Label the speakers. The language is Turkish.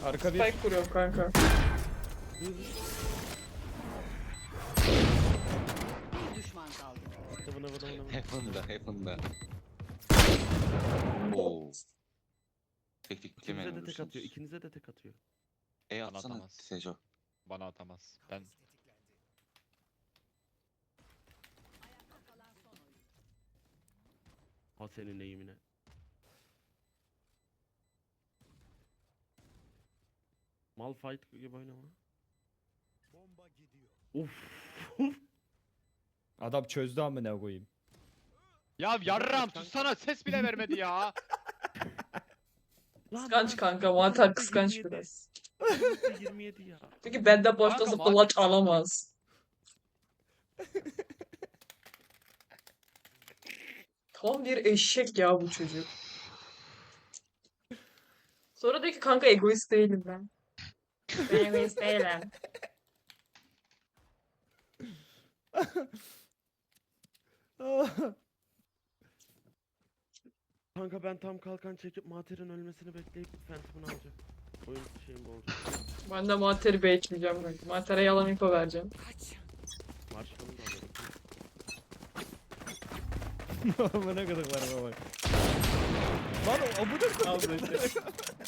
Speaker 1: Arka bir.
Speaker 2: Spike kuruyorum kanka.
Speaker 3: Bir düşman kaldı.
Speaker 4: Heaven'da. Oo. Tek
Speaker 5: İkinize
Speaker 4: yemeyin
Speaker 5: de tek atıyor.
Speaker 4: vurursunuz.
Speaker 5: İkinize de tek atıyor.
Speaker 4: Bana
Speaker 6: atsana
Speaker 4: atamaz.
Speaker 6: Sejo.
Speaker 4: Bana atamaz. Ben
Speaker 5: Ha senin eğimine. Malphite gibi oynama. Uf.
Speaker 1: Adam çözdü amına koyayım.
Speaker 4: Ya yarram sussana, ses bile vermedi ya.
Speaker 2: Kıskanç kanka. Mantar kıskanç
Speaker 5: 27.
Speaker 2: biraz.
Speaker 5: 27 ya.
Speaker 2: Çünkü benden başka
Speaker 4: Kanka,
Speaker 2: zıplaç alamaz. Tam bir eşek ya bu çocuk. Sonra diyor ki kanka egoist değilim ben. Ben egoist değilim.
Speaker 5: Kanka ben tam kalkan çekip Mater'in ölmesini bekleyip Phantom'ını alacağım. Oyun şeyim bu olacak.
Speaker 2: Ben de Mater'i bekleyeceğim kanka. Mater'e yalan info vereceğim.
Speaker 5: Marshall'ını da alırım.
Speaker 1: Amına kadar var bak. Lan o bu da
Speaker 2: Al böyle.